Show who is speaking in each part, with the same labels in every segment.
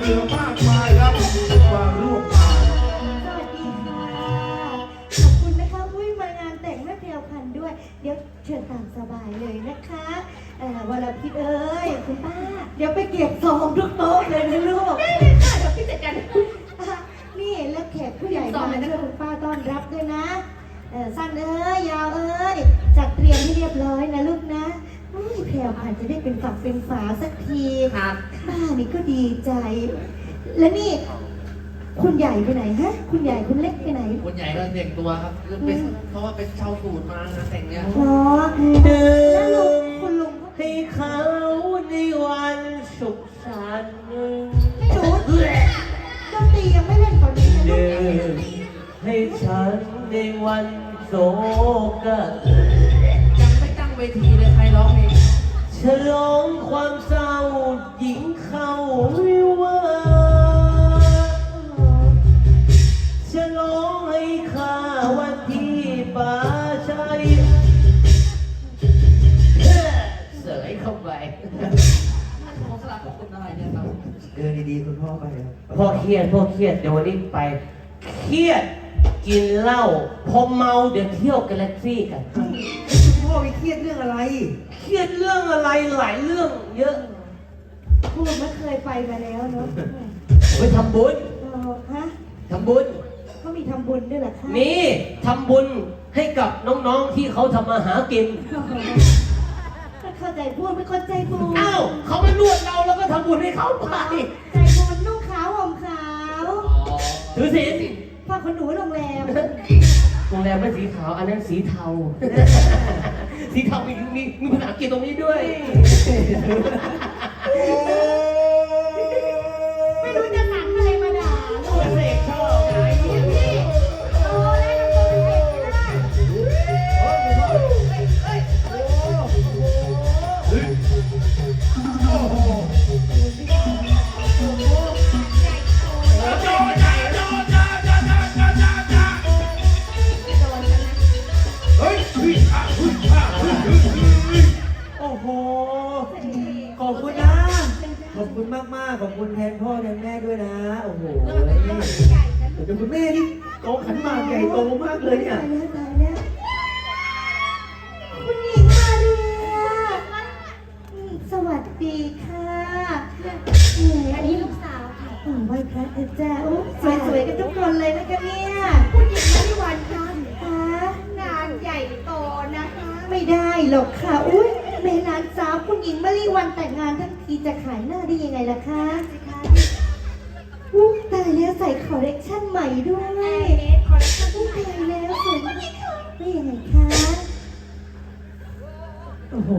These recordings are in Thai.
Speaker 1: ลือมากมายครับมาร่วมงาน
Speaker 2: สวัสดีค่ะขอบคุณนะคะอุ้ยมางานแต่งแม่แพรวพันธุ์ด้วยเดี๋ยวเชิญตามสบายเลยนะคะวรพิษเอ้ยคุณป้าเดี๋ยวไปเก็บซองทุกโต๊ะเลยนะลูกได้เลยค่ะเดี๋ยวพี่จัดการนี่แล้วแขกผู้ใหญ่มาช่วยคุณป้าต้อนรับด้วยนะสั้นเอ้ยยาวเอ้ยจัดเตรียมให้เรียบร้อยนะลูกนะแพรวพันธุ์จะได้เป็นฝักเป็นฝาสักทีครับป้านี่ก็ดีใจแล้วนี่คุณใหญ่ไปไหนฮะคุณใหญ่คุณเล็กไปไหน
Speaker 3: คุณใหญ่ก็แต่งตัวครับเพราะว่าเป็นชาวสูตรมางานแต่งเนี้ย
Speaker 2: อ๋อแล้วลุงคุณลุง
Speaker 4: ให้เขาในวันสุขสันต์
Speaker 2: ไม่รู้ดนตรียังไม่เล่นตอนนี้นะลูก
Speaker 4: ให้ฉันในวันโศก
Speaker 3: ยังไม่ตั้งเวทีเลยใครร้องเอง
Speaker 4: ฉลองความเศร้าหญิงเข้าวิวาฉลองให้ข้าวันที่ป่าชัยเสยเข้าไป
Speaker 3: ขอสลับขอบคุณอะไรเนี่ยครับ
Speaker 1: เดินดีๆคุณพ่อไปครับ
Speaker 4: พ่อเครียดเดี๋ยววันนี้ไปเครียดกินเหล้าพอเมาเดี๋ยวเที่ยวกาแล็กซี่กัน
Speaker 1: คุณพ่อไปเครียดเรื่องอะไร
Speaker 4: เครียดเรื่องอะไรหลายเรื่องเยอะ
Speaker 2: พูดไม่เคยไปมาแล้วเนาะ
Speaker 4: ไปทำบุญ
Speaker 2: ฮะ
Speaker 4: ทำบุญ
Speaker 2: เขามีทำบุญด้วยเหรอคะ
Speaker 4: มีทำบุญให้กับน้องๆที่เขาทำมาหากิน
Speaker 2: เข้าใจพูดไม่เข้าใจบุญ
Speaker 4: อ้าวเขามานวดเราแล้วก็ทำบุญให้เขาไป
Speaker 2: ใจบุญนุ่งขาวห่มขาว
Speaker 4: ถือศีล
Speaker 2: ฝากคนหนูโรงแรม
Speaker 4: ไม่สีขาวอันนั้นสีเทาสีเทามีภาษาอังกฤษตรงนี้ด้วย
Speaker 2: ไม่รู้จะหนังอะไรมาด่าลูก
Speaker 4: เสกชอบไง
Speaker 2: พี่โอ้เล่นตัวเป็นเอกไม่ได้
Speaker 1: โอ้โหขอบคุณนะขอบคุณมากๆขอบคุณแทนพ่อแทนแม่ด้วยนะโอ้โหแต่คุณแม่นี่โตขันหมากใหญ่โตมากเลยเนี่ย
Speaker 2: ตายแล้วคุณหญิงมาเรียสวัสดีค่ะอันนี้ลูกสาวค่ะไหว้พระเถอะจ้าสวยๆกันทุกคนเลยนะคะเนี่ยคุณหญิงมาริวันค่ะงานใหญ่โตนะคะไม่ได้หรอกค่ะอุ้ยแม่หลานสาวคุณหญิงมาริวันแต่งงานทั้งทีจะขายหน้าได้ยังไงล่ะคะตายแล้วใส่คอลเลกชันใหม่ด้วยคอลเลกชันตายแล้วสวยไม่ยังไงคะโอ้โห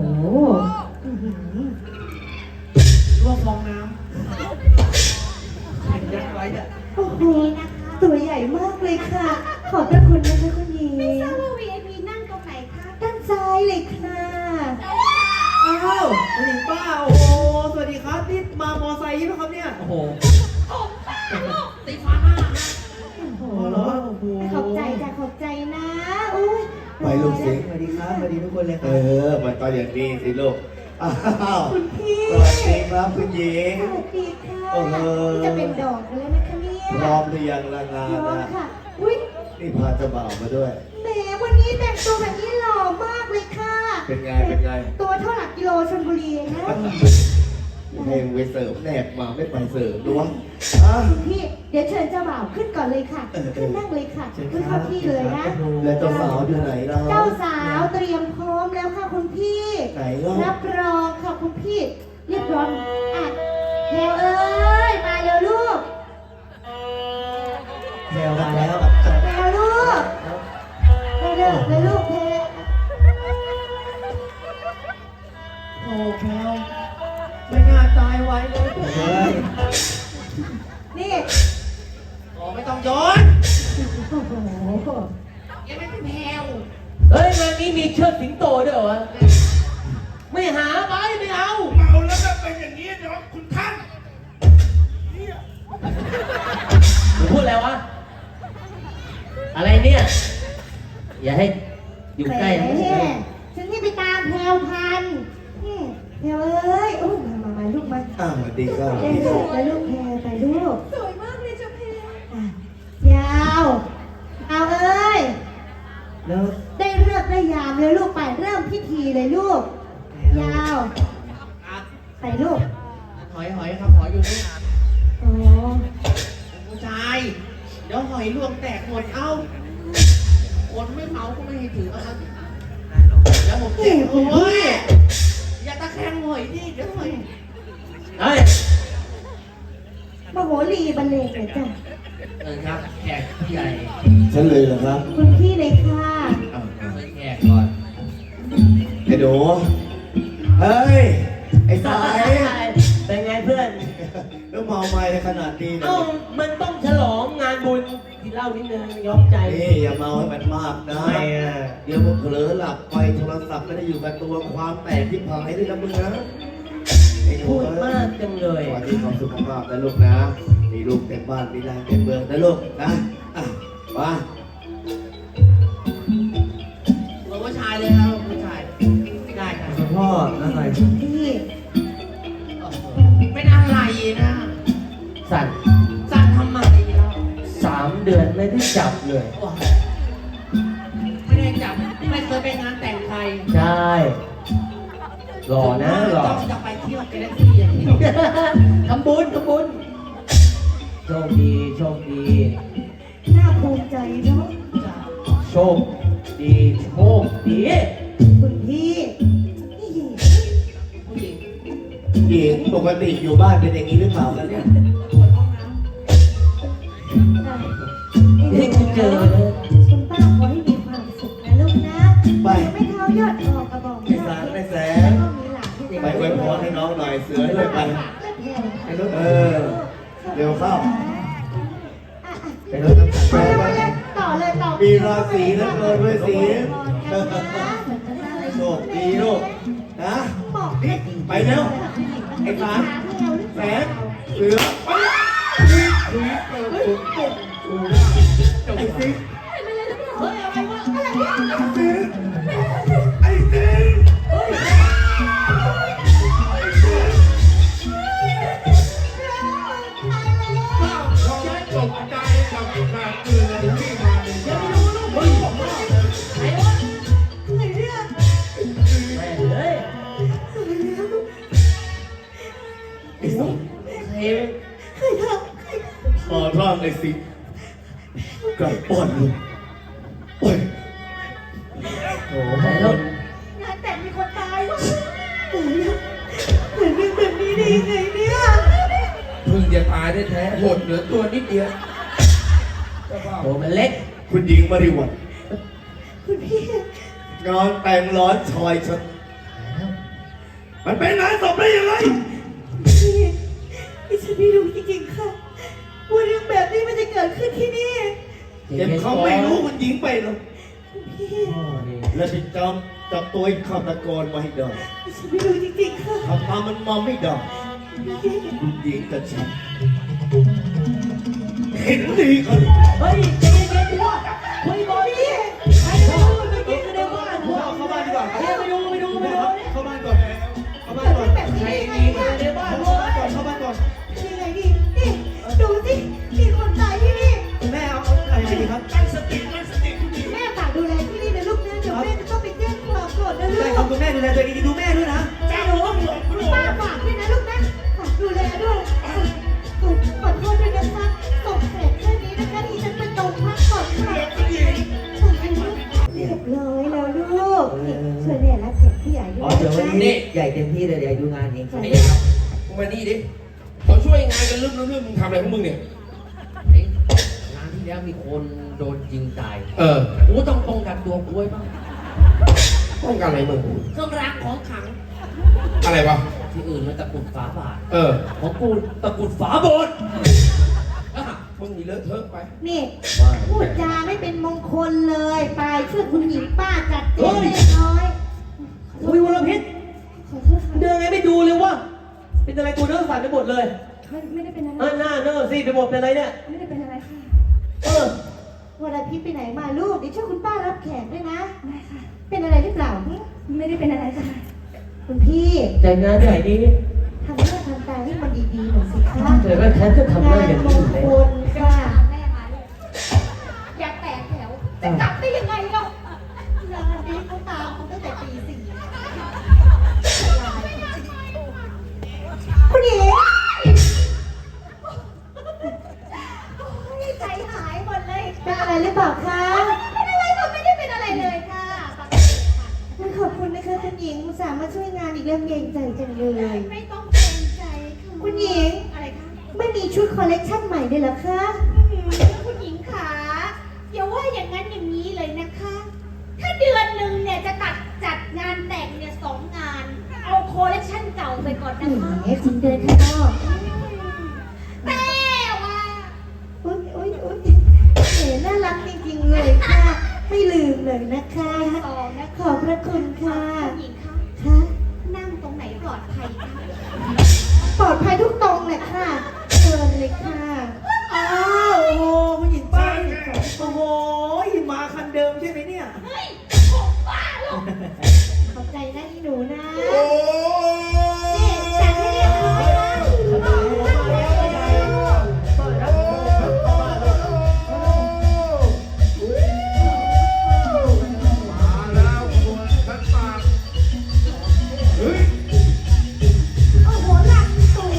Speaker 1: รวบฟองน้ำเห็นยักษ์ไว้อะ
Speaker 2: โอ้โหตัวใหญ่มากเลยค่ะขอบพระคุณนะคะคุณหญิงไม่ทราบว่า VIP นั่งตรงไหนคะด้านซ้ายเลยค่ะ
Speaker 1: อ้าวคุณหญิงป้าโอ้โหสวัสดีครับนี่มามอไซค์ใช่ไหมครับเนี่ยโอ้โห
Speaker 3: ตีฟ้าหน้า
Speaker 1: โอ้โหเหรอโอ้โห
Speaker 2: ขอบใจจ้ะขอบใจนะอุ้ย
Speaker 1: ไปลูกเสียงสวัสดีครับสวัสดีทุกคนเลยครับ
Speaker 5: มันก็อย่างนี้สิลูกอ้าว
Speaker 2: คุณพี่
Speaker 5: สวัสดีครับคุณหญิง
Speaker 2: สวัสดีค่ะจะเป็นดอกกันแล้วนะคะเนี่ย
Speaker 5: พร้อมหรือยังละงานนะ
Speaker 2: ค่ะอุ้ย
Speaker 5: นี่พาเจ้าบ่าวมาด้วย
Speaker 2: แหมวันนี้แต่งตัวแบบนี้หล่อมากเลยค่ะ
Speaker 5: เป็นไง
Speaker 2: ตัวเท่าหลักกิโลชลบุรีนะ
Speaker 5: เพลงไปเสิร์ฟแนบมาไม่ไปเสิร์ฟด้วย
Speaker 2: พี่เดี๋ยวเชิญเจ้าบ่าวขึ้นก่อนเลยค่ะขึ้นนั่งเลยค่ะขึ้นเข้าที่เลยนะ
Speaker 5: แล้วเจ้าสาวอยู่ไหนเรา
Speaker 2: เจ้าสาวเตรียมพร้อมแล้วค่ะคุณพี่
Speaker 5: ไหนล่ะ
Speaker 2: รับรองค่ะคุณพี่เรียบร้อยอ่ะแพรวเอ้ยมาเร็วลูก
Speaker 1: แพรวมาแล้ว
Speaker 2: แพรวลูกเร็วเลยลูกแพร
Speaker 1: โอ้แพรวไม่น่าตายไว้เลย
Speaker 2: นี่
Speaker 3: ไม่ต้องย้อน
Speaker 2: โอ้โห
Speaker 3: ยังไม่เป็นแพรว
Speaker 4: เฮ้ยงานนี้มีเชิดสิงโตด้วยเหรอวะไม่หาไปไม่เอา
Speaker 1: เมาแล้วจะเป็นอย่างนี้เดี๋ยวคุณท่าน
Speaker 4: พูดอะไรวะอะไรเนี่ยอย่าให้อยู่ใกล้
Speaker 2: ฉันนี่ไปตามแพรวพันธุ์แพรวเอ้ยโอ้มาลูกมา
Speaker 5: สวัสดีครับ
Speaker 2: แล้วลูกแพรไปลู
Speaker 3: อยลวงแตกหมดเอ้าคนไม่เมาก็ไม่ให้ถือเอามาแล้วผมเจ็บโอ้ยอย่าตะแคงหอยดิเดี๋ยวหอย
Speaker 4: เฮ้ย
Speaker 2: มโหรีบรรเลงเลยจ้ะ
Speaker 3: ครับแขกผู้ใหญ่
Speaker 5: ฉันเลยเหรอครับ
Speaker 2: คุณพี่เลยค่ะ
Speaker 3: แขกก่อน
Speaker 5: ไอ้หนูเฮ้ย ไอ้สาย
Speaker 4: เป็นไงเพื่อน
Speaker 5: แล้วเมาไม่ขนาดนี้นะ
Speaker 4: เอ้ามันต้องฉลองงานบุญกินเหล้านิดนึงยอมใจ
Speaker 5: นี่อย่าเมาให้มันมากนะ
Speaker 4: ทำไมอ่ะ
Speaker 5: เดี๋ยวมึงเผลอหลับไปโทรศัพท์ไม่ได้อยู่กับตัวความแตกที่พายด้วยนะมึงนะไอ้หนู
Speaker 4: พูดมากจังเลย
Speaker 5: สวัสดีความสุขภาพนะลูกนะมีลูกเต็มบ้านมีนางเต็มเมืองนะลูกนะอ่ะมา
Speaker 3: เราผู้ชายเลยครับผู้ชายได้ครับ
Speaker 1: คุณพ่ออะไร
Speaker 2: พี่
Speaker 3: เป็นอะไรนะ
Speaker 4: สั่น
Speaker 3: สั่งทำไมเรา
Speaker 4: 3 เดือนไม่ได้จับเลย
Speaker 3: ไม่ได้จับไม่เคยไปงานแต่งใคร
Speaker 4: ใช่หล่อนะหล่อ
Speaker 3: ต้องจะไปเที่ยวกาแล็กซี่อย่างเดียว
Speaker 4: ทำบุญโชคดีโชคดี
Speaker 2: น่าภูมิใจเนาะ
Speaker 4: โชคดีโชคดี
Speaker 2: คุณพี่นี่
Speaker 3: ผู้หญิง
Speaker 5: หญิงปกติอยู่บ้านเป็นอย่างนี้หรือเปล่ากันเนี่ย
Speaker 3: ปวดห้องน้
Speaker 4: นี่กูเจอเลย
Speaker 2: คุณป้าขอให้มีความสุขนะลูกนะไม่เท้ายอดออกกระบอก
Speaker 5: ไอ้สารไอ้แสง
Speaker 2: ก็มีหลานที่
Speaker 5: ไปอวยพรให้น้องหน่อยเสือด้วยไปเออเร็วเข้า
Speaker 4: ไปรถน้ำตาล
Speaker 2: ต่อเลยต่อ
Speaker 5: มีราศีเหลือเกินด้วยสีโชคดีลูกนะนี่ไปแล้วไอ้สารแสงเสือไปไอ้สิไอ้สิ
Speaker 6: ตกใจกับขาดเกลือที่มาในบ้าน
Speaker 4: แม่เลย
Speaker 5: ไอ้สอง
Speaker 4: เฮ้ย
Speaker 5: ขอร้องไอ้สิกลับป้อนลูกโอ้ย
Speaker 4: โอ้โหไปแล้ว
Speaker 2: งานแต่งมีคนตายเหมือนเป็นแบบนี้ได้ยังไงเนี่ย
Speaker 6: เพิ่งจะตายได้แท้หดเหลือตัวนิดเดียว
Speaker 4: โอ้มันเล็ก
Speaker 5: คุณหญิงมาริวัล
Speaker 2: คุณพี่
Speaker 5: งานแต่งร้อนชอยฉันมันเป็นงานศพได้ยังไง
Speaker 2: พี่ดิฉันไม่รู้จริงๆค่ะว่าเรื่องแบบนี้มันจะเกิดขึ้นที่นี่
Speaker 5: เจ็บเขาไม่รู้มันยิงไปหรอก
Speaker 2: คุณพี่
Speaker 4: พ่อนี่
Speaker 5: แล้วไปจับตัวไอ้ฆาตกรมาให้ได้
Speaker 2: ดิฉันไม่รู้จริงๆค่ะ
Speaker 5: ทำมามันมาไม่ได้คุณหญิงกับฉันเห็นดีกัน
Speaker 4: เฮ้ยใจเย็นๆพ่อคุยก่อนดิใครจะไปดูไปกินกันในบ้านพ่อ
Speaker 1: เข้าบ้านดีกว่า
Speaker 4: เฮ้ยไปดู
Speaker 1: เข้าบ้านก่อนเข้าบ้าน
Speaker 2: เกิด
Speaker 1: ก่อ
Speaker 2: เรื่อน งแบบนี้
Speaker 4: ใคร
Speaker 2: ได้ยังไง
Speaker 4: ดี
Speaker 2: เนี่ย
Speaker 4: ในบ้าน
Speaker 1: เข้า
Speaker 4: พ่อ
Speaker 1: บ้านก่อนเข้าบ้านก่อน
Speaker 2: ยังไงดีนี่ดูสิมีคนตายที่นี่
Speaker 1: แม่เอาอะไรดีครับ
Speaker 2: แม่ฝากดูแลที่นี่นะลูกนะเดี๋ยวแม่จะต้องไปแจ้งความก่อนนะลู
Speaker 1: ได้
Speaker 2: ก
Speaker 1: ครับคุณแม่ดูแลตัวเองดีๆดูแม่ด้วยนะ
Speaker 2: จ้าหนูป้าฝากด้วยนะลูกนะฝากดูแลด้วยขอโทษด้วยนะคะส่งแขกแค่นี้นะคะที่ฉันไปตรงพักก่อนค่ะเรียบร้อยแล้วลูกช่วยแม่รับแขกผู้ใหญ่ด้
Speaker 1: อ๋
Speaker 2: ว
Speaker 1: อย เดี๋ยววันนี้ใหญ่เต็มที่เลยเดี๋ยวดูงานเอง
Speaker 6: ไอ้ยักษ์มึงมานี่ดิเขาช่วยงานกันเรื่องมึงทำอะไรของมึงเนี่ย
Speaker 3: ำเอ๊ะงานที่แล้วมีคนโดนยิงตาย กูต้องป้องกันตัวกูไว้บ้าง
Speaker 6: ต้องการอะไรมึง
Speaker 3: เครื่องรางของขลัง
Speaker 6: อะไรวะ
Speaker 3: ที่อื่นมันตะกรุดฝาบาท
Speaker 6: ของกูตะกรุดฝาโบสถ์มึงมีเลอะเทอะไป
Speaker 2: นี่พูดจาไม่เป็นมงคลเลยไปช่วยคุณหญิงป้าจัดเจ๊เล็กน้อย
Speaker 4: คุยวรพิษ
Speaker 2: ขอโทษค่ะ
Speaker 4: เดินไงไม่ดูเลยวะเป็นอะไรกูเดินสั่นไปหมดเลย
Speaker 2: ไม่ได้เป็นอะไร
Speaker 4: หน้าเนอสิไปหมดเป็นอะไรเนี่ย
Speaker 2: ไม่ได้เป็นอะไรค่ะ
Speaker 4: เออ
Speaker 2: วันอาทิตย์ไปไหนมาลูกเดี๋ยวช่วยคุณป้ารับแขกด้วยนะได้ค่ะ เป็นอะไรหรือเปล่าไม่ได้เป็นอะไรค่ะคุณพี่
Speaker 4: ใจงานใหญ่ดี
Speaker 2: ทำหน้าทำตาให้มันดีๆหน่อยสิคะ
Speaker 4: เจอแล้วแทนจะทำได้
Speaker 2: งาน
Speaker 4: อย่าง
Speaker 2: ม
Speaker 4: นี้
Speaker 2: ง
Speaker 4: อยู่
Speaker 2: ค
Speaker 4: แล้ว
Speaker 2: ลค่ะ
Speaker 7: อย่าแตกแถว จะกลับได้ยังไงเนาะ
Speaker 2: งานนี้เขาตามเขาตั้งแต่ตีสี่คุณหญิง
Speaker 7: ใจหายหมดเลย
Speaker 2: มีชุดคอลเลกชันใหม่ด้วยเหรอคะ
Speaker 7: คุณหญิงขาอย่าว่าอย่างนั้นอย่างนี้เลยนะคะ ถ้าเดือนหนึ่งเนี่ยจะจัดงานแต่งเนี่ย2 งาน เอาโคเลคชันเก่าไปก่อน
Speaker 2: แห
Speaker 7: นะคะ
Speaker 2: มจริงเดินข้างนอก
Speaker 7: แต่ว่า
Speaker 2: อุ๊ยอุ๊ยอุ๊ยแหมน่ารักจริงๆเลยค่ะ ไม่ลืมเลยนะคะ
Speaker 7: 2นะ
Speaker 2: ขอบพระคุณค่ะ
Speaker 7: คุณหญิงคะ
Speaker 2: ค่ะ
Speaker 7: นั่งตรงไหนปลอดภัยคะ
Speaker 2: ปลอดภัยทุกตรงเลยค่ะเชิญเลยค่ะ
Speaker 1: อ้าวโอ้โหผู้หญิงป้าโอ้โหมาคันเดิมใช่ไหมเนี่ย
Speaker 7: เฮ้ยผมบ้าหรอก
Speaker 2: ขอบใจนะอีหนูนะ
Speaker 5: โอ้
Speaker 2: นี่จัดให้เรียบร้อยนะ
Speaker 5: มาแล้วคนขันหมากเฮ้ย
Speaker 2: โอ้โหหลังสวย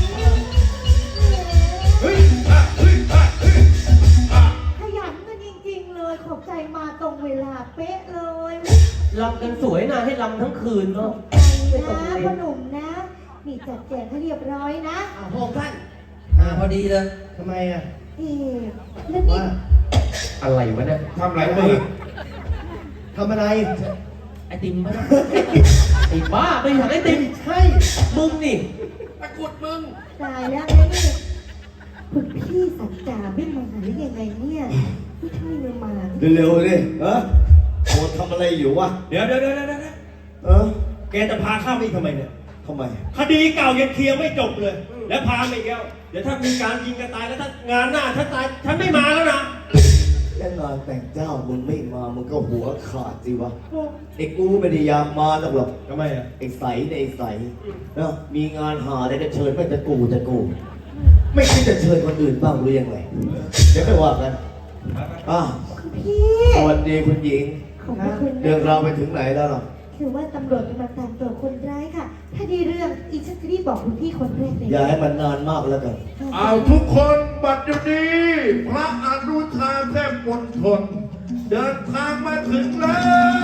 Speaker 5: เฮ้ยเฮ้ยเฮ้ย
Speaker 2: ขยันกันจริงๆเลย ขอบใจมาตรงเวลาเป๊ะเลย
Speaker 4: ลำกันสวยนะให้ลำทั้งคืนเนาะ
Speaker 2: ใจนะพ่อหนุ่มนะ นี่จัดแจงให้เรียบร้อยนะ
Speaker 3: พระองค์ท่าน
Speaker 6: พอดีเลย
Speaker 3: ทำไมอ่ะ
Speaker 2: เอ๊ะแล้วนี่
Speaker 4: อะไรวะเนี่ย
Speaker 5: ทำไรมือ
Speaker 3: ทำอะไร
Speaker 4: ไอติมปะเนี่ยไอ้บ้าไปหาไอติม
Speaker 3: ใช่
Speaker 4: มึงนี่
Speaker 6: ตะกุดมึง
Speaker 2: ตายแล้วนะนี่คุณพี่สัจจาไม่มาหรือยังไงเนี่ยไม่ใช่ไม่มา
Speaker 5: เร็วๆดิโอ้ทำอะไรอยู่วะ
Speaker 6: เดี๋ยวแกจะพาข้าไปทำไมเนี่ย
Speaker 5: ทำไม
Speaker 6: คดีเก่ายังเคลียร์ไม่จบเลย แล้วพาไปอีกแล้วเดี๋ยวถ้ามีการยิงกันตายแล้วถ้างานหน้าฉันตายฉันไม่มาแล้วนะ
Speaker 5: แล้วงานแต่งเจ้ามึงไม่มามึงก็หัวขาดสิวะไอ้กูไม่ได้อยากมาหรอก
Speaker 6: ทำไมอ่ะ
Speaker 5: ไอ้ใสในไอ้ใสนะมีงานหาได้ก็เชิญไม่จะกูไม่คิดจะเชิญคนอื่นบ้างหรือยังไงเดี๋ยวค่อยว่ากันอ่ะ
Speaker 2: คุณพี่
Speaker 5: สวัสดีคุณหญิง
Speaker 2: ขอบพระคุณ
Speaker 5: เรื่อง
Speaker 2: นะ
Speaker 5: ราวไปถึงไหนแล้วล่ะ
Speaker 2: คือว่าตำรวจกำลังตามตัวคนร้ายค่ะ ถ้าดีเรื่องอีชักรีบบอกคุณพี่คนแรกเลย
Speaker 5: อย่าให้มันนานมากแล้วกัน
Speaker 8: เอาทุกคนบัดเดี๋ยวนี้พระอนุชาแทบมณฑลเดินทางมาถึงแล้ว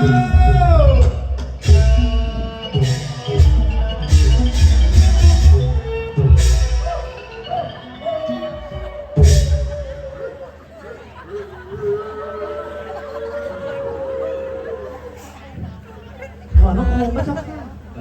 Speaker 3: ถอนพระโคมพระเจ้าค่ะ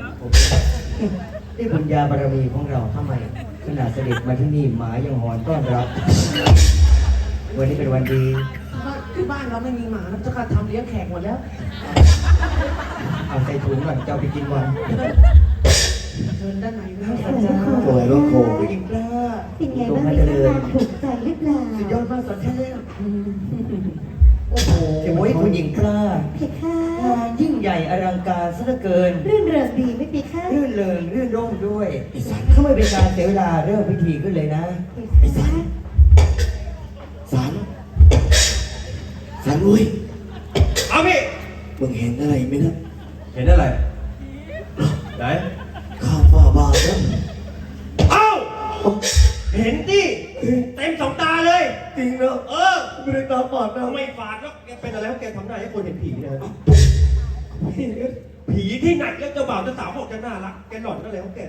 Speaker 1: นี่บุญญาบารมีของเราทำไมขนาดเสด็จมาที่นี่หมายังหอนต้อนรับ วันนี้เป็นวันดี
Speaker 3: ที่บ้านเราไม่มีหมานะเจ้าค่ะทำเลี้ยงแขกหมดแล้ว
Speaker 1: เอาใส่ถุงก่อนจะเอาไปกินวัน
Speaker 3: เชิญด้านในนะ
Speaker 2: ขอบคุณค่ะ
Speaker 5: สวยรถโคม
Speaker 3: ผู้หญิงกล้า
Speaker 2: เป็นไงบ้างมีงานถูกใจหรือเปล่า
Speaker 3: สุดยอดมากสอนเทพ
Speaker 1: โอ้โหคุณหญิงกล้า
Speaker 2: เพคะ
Speaker 1: งานยิ่งใหญ่อลังการซะเหลือเกิน
Speaker 2: รื่นเริงดีไม่ปีคะ
Speaker 1: รื่นเริงรื่นร่มด้วยถ้าไม่เป็นการเสียเวลาเริ่มพิธีขึ้นเลยนะ
Speaker 2: เพคะ
Speaker 5: สันอุ้ย
Speaker 6: เอาพี่
Speaker 5: มึงเห็นอะไรไหมนะ
Speaker 6: เห็นอะไรไหน
Speaker 5: ข้าฟ้าบาทนะ
Speaker 6: เอ้าเห็นดิเต็มสองตาเลย
Speaker 5: จริงนะ
Speaker 6: เออ
Speaker 5: ไม่ได้ตาฝาดนะ
Speaker 6: ไม่ฝาดแล้วแกเป็นอะไรแล้วแกทำได้ให้คนเห็นผีนะผีที่ไหนแล้วเจ้าบ่าวเจ้าสาวบอกจะน่ารักแกหล่อนก็แล้วแก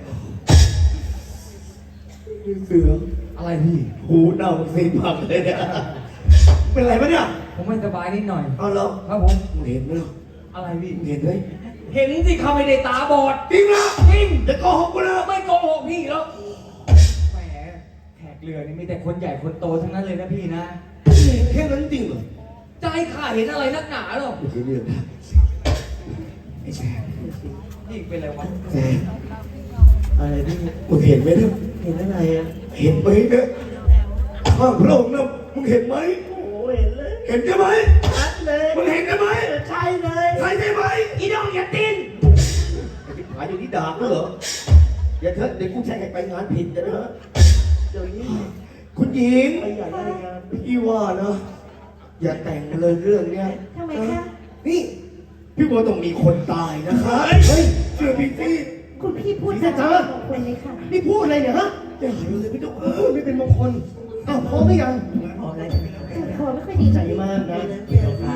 Speaker 5: เสือ
Speaker 6: อะไรพี่
Speaker 5: หูเน่าสีผักเลยเนี่ยเป็นไรปะเนี่ย
Speaker 1: ผมไม่สบายนิดหน่อย
Speaker 5: เอาแล้ว
Speaker 1: ครับผม
Speaker 5: มึงเห็นไหม
Speaker 1: อะไรพี่
Speaker 5: มึงเห็นไหม
Speaker 1: เห็นสิเขาไม่ได้ตาบอด
Speaker 5: จริงนะ
Speaker 1: จริง
Speaker 5: จะโกหกกูนะ
Speaker 1: ไม่โกหกพี่แล้วแหมแขกเรือนี่มีแต่คนใหญ่คนโตทั้งนั้นเลยนะพี่นะ
Speaker 5: แค่นั้นจริงเหรอ
Speaker 1: ใจข้าเห็นอะไรนักหนาหรอก
Speaker 5: ไม่ใช่เรื่องนะไอ้แสบ
Speaker 1: นี่เป็นอะไรวะ
Speaker 5: แสบ
Speaker 1: อะไรพี่
Speaker 5: มึงเห็นไหมเนี่ย
Speaker 1: เห็นอะไรอ่ะ
Speaker 5: เห็นไหมเนี่ยข้างพระองค์นะมึงเห็นไหม
Speaker 1: โอ้เห็นเลย
Speaker 5: เห็นใช่ไหม
Speaker 1: ชัดเลย
Speaker 5: มึงเห็นใช่ไหม
Speaker 1: ใช่เลย
Speaker 5: ใช่ใช่ไหม
Speaker 1: อีดองอย่าตีน
Speaker 5: ไอ้ที่หายอยู่ที่ด่ากูเหรออย่าเถอะเดี๋ยวกูแช่งให้ไปงานผิดกันนะฮะ
Speaker 1: เดี๋ยวนี้
Speaker 5: คุณหญิง
Speaker 1: ไปใหญ่รายงาน
Speaker 5: พี่ว่านะอย่าแต่งเลยเรื่องเนี้ย
Speaker 2: ทำไมคะ
Speaker 5: นี่พี่ว่าต้องมีคนตายนะคะเฮ้ยเชื่อพี่สิ
Speaker 2: คุณพี่พูดจาของคนเลยค่ะ
Speaker 3: นี่พูดอะไรเนี่ยฮะ
Speaker 5: อย่าหายเลยพี่ต้อง
Speaker 3: ไม่เป็นมงคลอ้าวพร้อมหรือยัง
Speaker 1: ออกอะไร
Speaker 2: คอไม่ค่อยดี
Speaker 3: ใจมากนะ
Speaker 1: เดี๋ยวค่ะ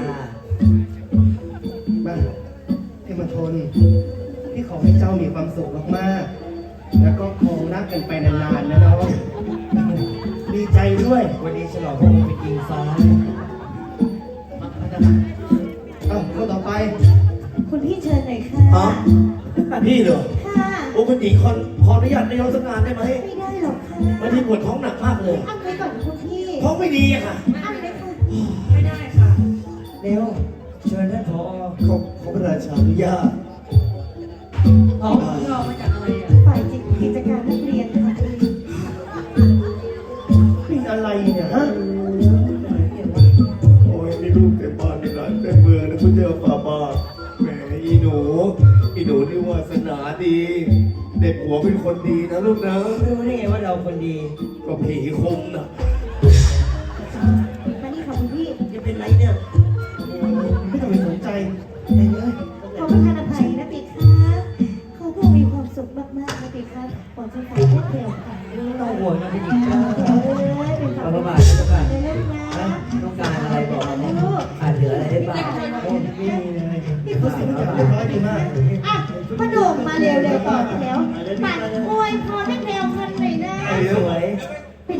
Speaker 3: มาเทมทนพี่ขอให้เจ้ามีความสุขมากๆ แล้วก็คงรักกันไปนานๆนะน้อง
Speaker 5: ดีใจด้วย
Speaker 1: วันนี้ฉลองพระองค์เป็นอิงฟ้า
Speaker 5: คนต่อไป
Speaker 2: คุณพี่เชิญหน่อยค่ะ
Speaker 5: อ๋อพี่เหรอ
Speaker 2: ค่ะ
Speaker 5: โอ้คุณหญิงขออนุญาตนายกสักงานได้ไหม
Speaker 2: ไม่ได้หรอกค่ะ
Speaker 5: วันนี้ปวดท้องหนักมากเลย
Speaker 2: อั้นไว้ก่อนคุณพี่
Speaker 5: ท้องไม่ดีอะค่ะ
Speaker 2: อั้นไว้ค่ะ
Speaker 1: เร็วเชิญท่านผอ
Speaker 5: ขอพระราชาอนุญาต
Speaker 1: อ๋อ
Speaker 2: ฝ่ายกิจการนักเรียนค่ะ
Speaker 5: เป็นอะไรเนี่ยฮะ
Speaker 8: โอ้ยมีลูกเต็มบ้านในร้านเต็มเมืองนะคุณเจ้าฝ่าบาทแหมอีหนูนี่วาสนาดี เด็กหัวเป็นคนดีนะลูกนะ
Speaker 1: รู้ได้ไงว่าเราคนดี
Speaker 8: ก็ผีคมนะ
Speaker 2: มานี่ค่ะคุณพี่
Speaker 5: จะเป็นไรเนี่ยโอ้ไม่ต้องไปสนใจไปเลย
Speaker 2: ขอประทานอภัยนะปีคะขอพวกมีความสุขมากๆนะปีคะขอจะฝากพวกเดียวค่ะ
Speaker 1: ไม่ต้องห่วงนะพี่หญิงจ้า
Speaker 2: เป็น
Speaker 1: เอา
Speaker 2: ฝา
Speaker 1: พระบาทนะเจ้าค่ะ
Speaker 2: เป็นลูกนะ
Speaker 1: ต้องการอะไรบอกมาขาดเหลืออะไรได้บ้างโอ้ไม่มีเลย
Speaker 2: พี่ผู้สูงอายุ
Speaker 5: เรียบร้อยดีมาก
Speaker 2: อ่ะพ่อหนุ่มมาเร็วๆต่อแถวปัดอวยพรให้แนวคันหน่อยนะ
Speaker 1: สวย
Speaker 2: เป็น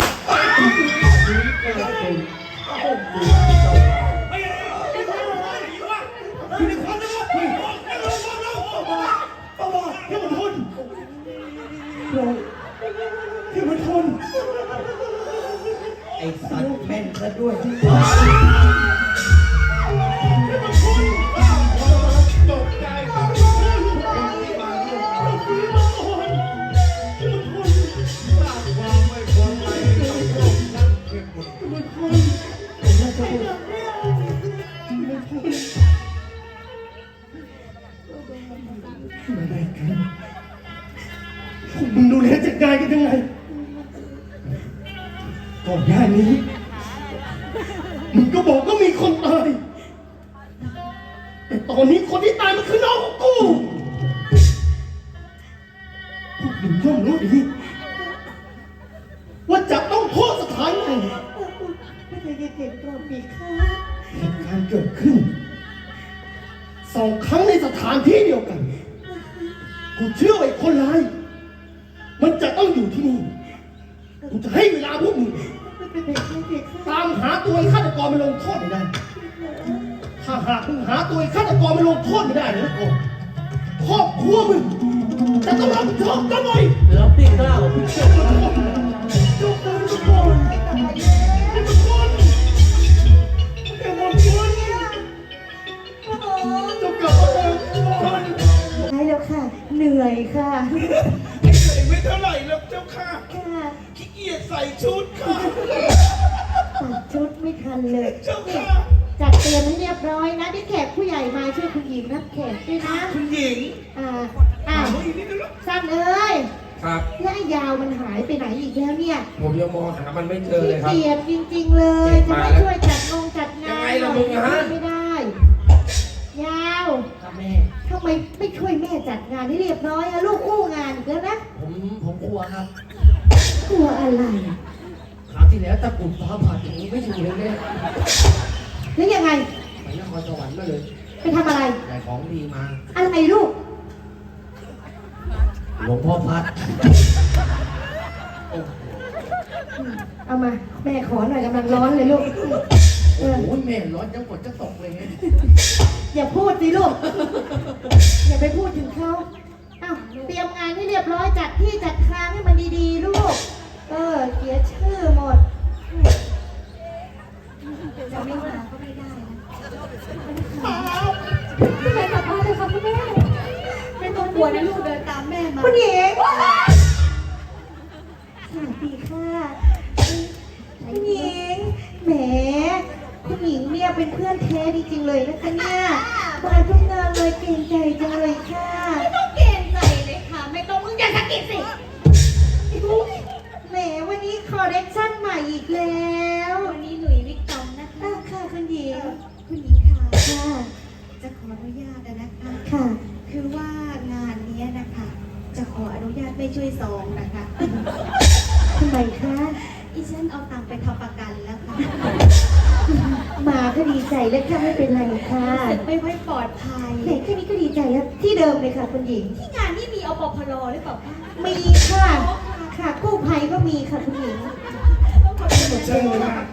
Speaker 1: ไอ้สัตว์แม่นซะด้วย
Speaker 8: ตกใจความไม่พอใจต้องลงนั่งเก็บหมด
Speaker 5: มึงดูแลจัดการกันยังไงก่อนหน้านี้มึงก็บอกว่ามีคนตายแต่ตอนนี้คนที่ตายมันคือน้องของกูพวกมึงย่อมรู้ดีว่าจะต้องโทษสถานไหน
Speaker 2: ไม่เคยเก็บตัวปีค่ะ
Speaker 5: เหตุการณ์เกิดขึ้น2 ครั้งในสถานที่เดียวกัน กูเชื่อว่าไอ้คนร้าย มันจะต้องอยู่ที่นี่ กูจะให้เวลาพวกมึง
Speaker 2: ไม่เป็นไรปีค่ะ
Speaker 5: ตามหาตัวไอ้ฆาตกรมาลงโทษไม่ได้ ถ้าหากมึงหาตัวไอ้ฆาตกรมาลงโทษไม่ได้นะกูครอบครัวมึงจะต้องรับผิดชอบกันหน่อย
Speaker 4: แล้วพี่กล้า
Speaker 5: จบกันทุกคนไอ้ทุกคนไอ้หมดคนจบกับอะไรทุกคน
Speaker 2: ได้แล้วค่ะ เหนื่อยค่ะ
Speaker 8: ไอ้เหนื่อยไม่เท่าไหร่หรอกเจ้าค่ะ
Speaker 2: ค่ะ
Speaker 8: ขี้เกียจใส่ชุดค่ะ
Speaker 2: ตัดชุดไม่ทันเลย
Speaker 8: เจ้าค่ะ
Speaker 2: จัดเตรียมให้เรียบร้อยนะที่แขกผู้ใหญ่มาช่วยคุณหญิงรับแขกด้วยนะ
Speaker 8: คุณหญิง
Speaker 2: อ้าวสั้นเอ้ย
Speaker 3: ครับ
Speaker 2: และไอ้ยาวมันหายไปไหนอีกแล้วเนี่ย
Speaker 3: ผมยังมองหามันไม่เจอ
Speaker 2: ขี้
Speaker 3: เลยครับ
Speaker 2: เกียจจริงๆเลย จะ
Speaker 3: มา
Speaker 2: ไม่
Speaker 3: แล้ว
Speaker 2: ช่วยจัดจัดงาน
Speaker 3: ยังไงล่ะมึงอะฮะ
Speaker 2: ไม่ได้ ยาว
Speaker 4: ครับแม่
Speaker 2: ทำไมไม่ช่วยแม่จัดงานให้เรียบร้อยอะลูกอู้งานอีกแล้วนะ
Speaker 4: ผมกลัวครับ
Speaker 2: กลัวอะไร
Speaker 4: คราวที่แล้วตะกรุดฟ้าผ่าอย่างนี้ไม่อยู่เลยแม่
Speaker 2: แล้วยังไง
Speaker 3: ไปนครสวรรค์มาเลย
Speaker 2: ไปทำอะไร
Speaker 3: ได้ของดีมา
Speaker 2: อะไรลูก
Speaker 4: หลวงพ่อพัด
Speaker 2: เอามา แม่ขอหน่อยกำลังร้อนเลยลูกเออ
Speaker 3: โอ้ยแม่ร้อนยังกดจะตกเลยไง
Speaker 2: อย่าพูดสิลูก อย่าไปพูดถึงเขาอ้าวเตรียมงานให้เรียบร้อยจัดที่จัดทางให้มันดีๆลูก เสียชื่อหมด จะไม่มาก็ไม่ได้นะแม่กลับบ้านเลยค่ะคุณแม่ไม่ต้องกลัวนะลูกเดินตามแม่มาคุณหญิงสวัสดีค่ะคุณหญิงแหมคุณหญิงเนี่ยเป็นเพื่อนแท้จริงๆเลยนะคะเนี่ยมาทุกงานเลยเก่งใจจังเลยค่ะ
Speaker 7: ไม่ต้องเกรงใจเลยค่ะ ไม่ต้องมึงอย่าสะกิดสิ
Speaker 2: แหมวันนี้คอลเลคชั่นใหม่อีกแล้ว
Speaker 7: วันนี้หลุยส์วิกตองนะคะ
Speaker 2: ค่ะคุณหญิง
Speaker 7: คุณหญิงค่ะ
Speaker 2: ค่ะ
Speaker 7: จะขออนุญาตนะคะ
Speaker 2: ค่ะ
Speaker 7: คือว่างานเนี้ยนะคะ จะขออนุญาตไม่ช่วยซองนะคะ
Speaker 2: ทำไมคะ
Speaker 7: อีฉันเอาตังค์ไปทำประกันแล้วค่ะ
Speaker 2: มาก็ดีใจแล้วค่ะไม่เป็นไรค่ะ
Speaker 7: รู้สึกไม่ค่อยปลอดภัย
Speaker 2: แหมแค่นี้ก็ดีใจแล้วที่เดิมเลยค่ะคุณหญิง
Speaker 7: ที่งานนี่มีอปพลหรือเปล่าคะ
Speaker 2: มีค่ะ ค่ะกู้ภัยก็มีค่ะคุณหญิง
Speaker 7: ขอ
Speaker 2: เชิญ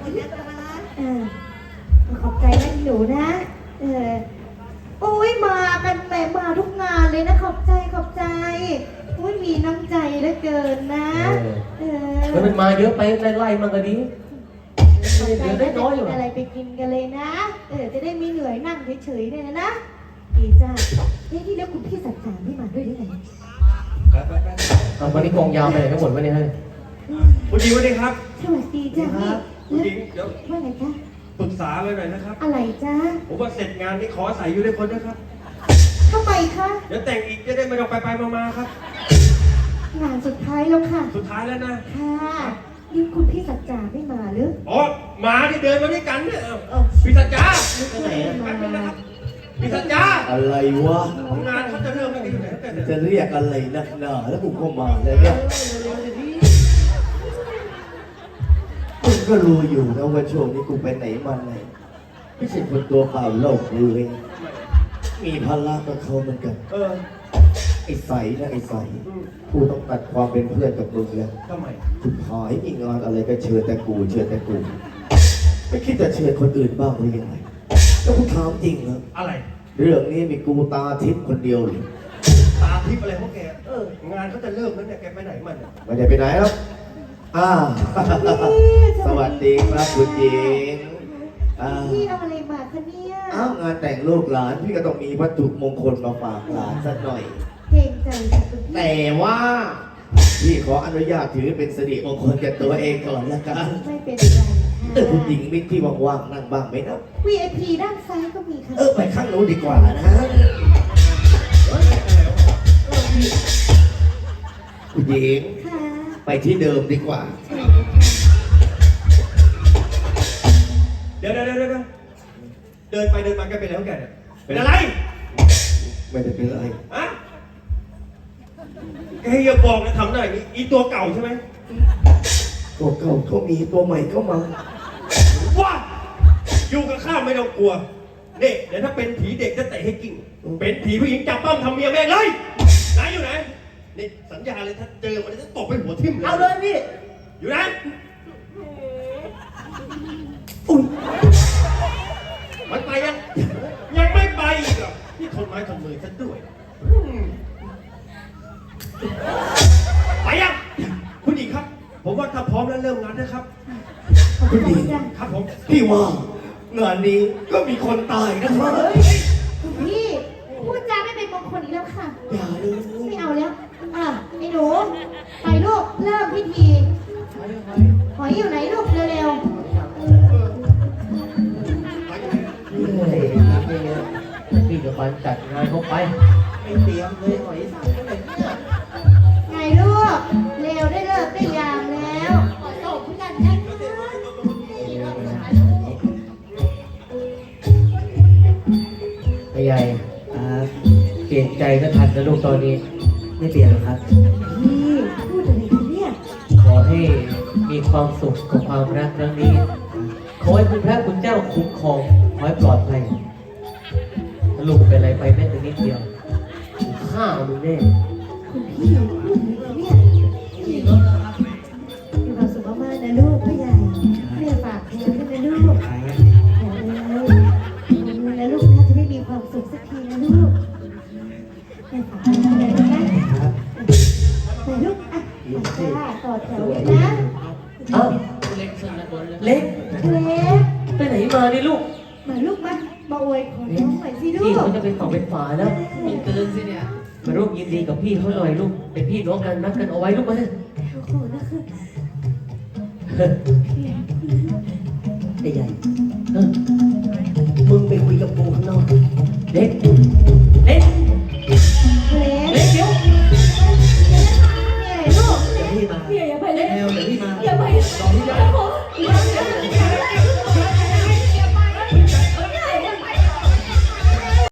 Speaker 2: ขอบใจนะหนูนะโอ้ยมากันแหมมาทุกงานเลยนะขอบใจโอ้ยมีน้ำใจเหลือเกินนะ
Speaker 4: แล้วมันมาเยอะไปไล่ๆมันก็ดี
Speaker 2: ขอบใจ
Speaker 4: เดี๋ยวได้
Speaker 2: นะ
Speaker 4: น้อยอยู่
Speaker 2: อะไรไปกินกันเลยนะจะได้ไม่เหนื่อยนั่งเฉยๆเนี่ยนะดีจ้าที่แล้วคุณพี่สัจจาไม่มาด้วยได้ไง
Speaker 4: เอาวันนี้กองยาวไปไหนกันหมดวะเนี่ยเฮ้ย
Speaker 6: คุณหญิงสวัสดีครับ
Speaker 2: สวัสดีจ้าพี่
Speaker 6: คุณหญิงเดี๋ยว
Speaker 2: ว่าไงจ้า
Speaker 6: ปรึกษาเลยหน่อยนะครับ
Speaker 2: อะไรจ้า
Speaker 6: ผมว่าเสร็จงานนี้ขออาศัยอยู่ด้วยคนนะครับ
Speaker 2: ทำไมคะ
Speaker 6: เดี๋ยวแต่งอีกจะได้ไม่ต้องไปมาๆครับ
Speaker 2: งานสุดท้ายแล้วค่ะ
Speaker 6: สุดท้ายแล้วนะ
Speaker 2: ค่ะนี่คุณพี่สัจจาไม่มาหรือ
Speaker 6: อ๋อหมาที่เดินมาด้วยกันเนี่ยพี่สัจจา
Speaker 2: ไม่ไหน
Speaker 6: แป๊บนึง
Speaker 2: มา
Speaker 6: นะครับพี่สัจจา
Speaker 5: อะไรวะ
Speaker 6: ของงานเขาจะเริ่มไม่ดีอยู่ไหนแล้วแต่เนี่ย
Speaker 5: จะเรียกอะไรนักหนาแล้วกูก็มาเลยเนี่ยมึงก็รู้อยู่นะว่าช่วงนี้กูไปไหนมาไหนไม่ใช่คนตัวเปล่าโลกเลยมีภาระกับเขาเหมือนกัน ไอ้ใสนะไอ้ใสกูต้องตัดความเป็นเพื่อนกับมึงแล้ว
Speaker 6: ทำไม
Speaker 5: คุณหายมีงานอะไรก็เชิญแต่กูไม่คิดจะเชิญคนอื่นบ้างหรือยังไงแล้วกูถามจริงนะ
Speaker 6: อะไร
Speaker 5: เรื่องนี้มีกูตาทิพย์คนเดียวหรือ
Speaker 6: ตาทิพย์อะไรพวกแกงานเขาจะเริ่มแล้วเนี่ยแกไปไหนมันเนี่ย
Speaker 5: ไม่ได้ไปไหนหรอกสวัสดีครับคุณหญิง
Speaker 2: พี่เอาอะไรมาคะเนี่ย
Speaker 5: งานแต่งลูกหลานพี่ก็ต้องมีวัตถุมงคลมาฝากหลานสักหน่อย
Speaker 2: เกรงใจค่ะคุณพี่
Speaker 5: แต่ว่าพี่ขออนุญาตถือเป็นสิริมงคลแก่ตัวเองก่อนละกัน
Speaker 2: ไม่เป็นไรค่ะ
Speaker 5: คุณหญิงมิตรที่ว่างๆนั่งบ้างไหมนะ
Speaker 2: VIP ด้านซ้ายก็มีค่ะ
Speaker 5: ไปข้างโน้นดีกว่านะคุณหญิง
Speaker 2: ค่ะ
Speaker 5: ไปที่เดิมดีกว่า
Speaker 6: เดี๋ยวเดินไปเดินมาแกเป็นอะไรของแกเนี่ยเป็นอะไร
Speaker 5: ไม่ได้เป็นไร
Speaker 6: อะแกอย่าบอกนะทำได้อย่างนี้อีตัวเก่าใช่ไหม
Speaker 5: ตัวเก่าก็มีตัวใหม่ก็มา
Speaker 6: ว้าอยู่กับข้าไม่ต้องกลัวเนี่ยเดี๋ยวถ้าเป็นผีเด็กจะเตะให้กิ่งเป็นผีผู้หญิงจับปั้มทำเมียแม่งเลยไหนอยู่ไหนนี่สัญญาเลยถ้าเจอมันจะตบไปหัวทิ่มเลย
Speaker 4: เอาเลยพี่
Speaker 6: อยู่ไหน มันไปยังไม่ไปอีกเหรอนี่ทนไม้ทนมือฉันด้วยไปยังคุณหญิงครับ ผมว่าถ้าพร้อมแล้วเริ่มงานนะครับ
Speaker 5: คุณหญิง
Speaker 6: ครับผม
Speaker 5: พี่ว่างานนี้ก็มีคนตายนะครับ
Speaker 2: คุณพี่พูดจาไม่เป็นมงคลอีกแล้วค่ะ
Speaker 5: อย่าเลย
Speaker 2: ไม่เอาแล้วไอ้หนูไปลูกเริ่มพิธีหอยอยู่ไหนลูกเร็ว
Speaker 4: พี่จะไปจัดงานเขาไป
Speaker 3: ไม่เตรียมเลยหอยสังก็เลยเนี่ย
Speaker 2: ๆไงลูกเร็วได้เลิกได้ยามแล้ว
Speaker 7: ขอตบพี่กันนะคะ
Speaker 4: ไอ้ใหญ่เปลี่ยนใจก็ทันนะลูกตอนนี้ ไม่เปลี่ยนหรอกครับ
Speaker 2: พี่พูดอะไรกันเนี่ย
Speaker 4: ขอให้มีความสุขกับความรักครั้งนี้ ขอให้คุณพระคุณเจ้าคุ้มครองขอให้ปลอดภัยถ้าลูกเป็นอะไรไปแม้แต่นิดเดียวฆ่ามึงแน่
Speaker 2: คุณพี่พูดอะไรกันเนี่ยมีความสุขมากๆนะลูกพ่อใหญ่แม่ฝากแทนด้วยนะลูกขอเลยแล้วลูกน่าจะได้มีความสุขสักทีนะลูกแม่ฝากแทนด้วยนะแต่ลูกต่อแถวเลยนะ
Speaker 4: เอ้า
Speaker 3: เล็กสุดละคนเลย
Speaker 4: เล็ก
Speaker 2: เล็ก
Speaker 4: ไปไหนมาเนี่ยลูก
Speaker 2: มาลูกมาอวยขอน้องหน่อยสิลู
Speaker 4: พี่
Speaker 2: ก
Speaker 4: เขาจะเป็นฝั่งเป็นฝาแล้ว
Speaker 3: มีเกินสิเนี่ย
Speaker 4: มาร่วมยินดีกับพี่เขาหน่อยลูกเป็นพี่น้องกันนัดกันเอาไว้ลูกมา
Speaker 2: ขอนะคือ
Speaker 5: ไอ้ใหญ่มึงไปคุยกับกูข้างนอก
Speaker 4: เล็ก